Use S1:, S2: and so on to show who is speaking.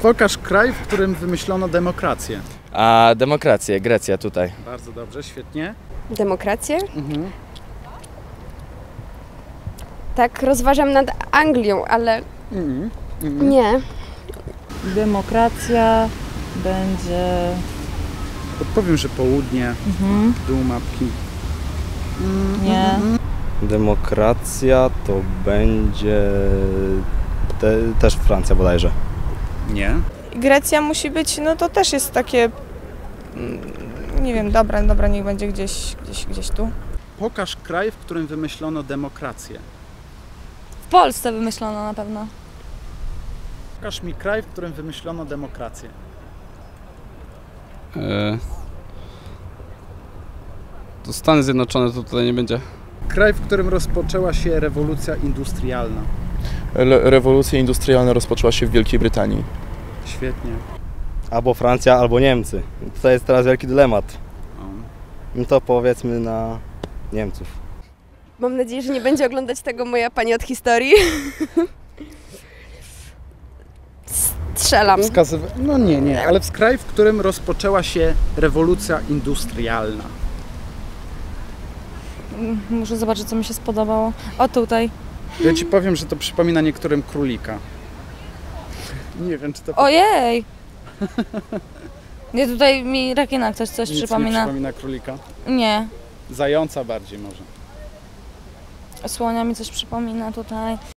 S1: Pokaż kraj, w którym wymyślono demokrację.
S2: A demokrację, Grecja tutaj.
S1: Bardzo dobrze, świetnie.
S3: Demokrację? Tak, rozważam nad Anglią, ale nie.
S4: Demokracja będzie...
S1: Podpowiem, że południe, dół mapki.
S4: Nie.
S2: Demokracja to będzie też Francja bodajże.
S1: Nie.
S5: Grecja musi być, no to też jest takie, nie wiem, dobra, niech będzie gdzieś tu.
S1: Pokaż kraj, w którym wymyślono demokrację.
S4: W Polsce wymyślono na pewno.
S1: Pokaż mi kraj, w którym wymyślono demokrację.
S6: To Stany Zjednoczone to tutaj nie będzie.
S1: Kraj, w którym rozpoczęła się rewolucja industrialna.
S7: Rewolucja industrialna rozpoczęła się w Wielkiej Brytanii.
S1: Świetnie.
S2: Albo Francja, albo Niemcy. To jest teraz wielki dylemat. No to powiedzmy na Niemców.
S3: Mam nadzieję, że nie będzie oglądać tego moja pani od historii. Strzelam.
S1: No nie, ale w kraj, w którym rozpoczęła się rewolucja industrialna.
S4: Muszę zobaczyć, co mi się spodobało. O, tutaj.
S1: Ja ci powiem, że to przypomina niektórym królika. Nie wiem, czy to...
S4: Ojej! Nie, tutaj mi Rakina coś
S1: Nic
S4: przypomina.
S1: nie przypomina królika?
S4: Nie.
S1: Zająca bardziej może.
S4: Słonia mi coś przypomina tutaj.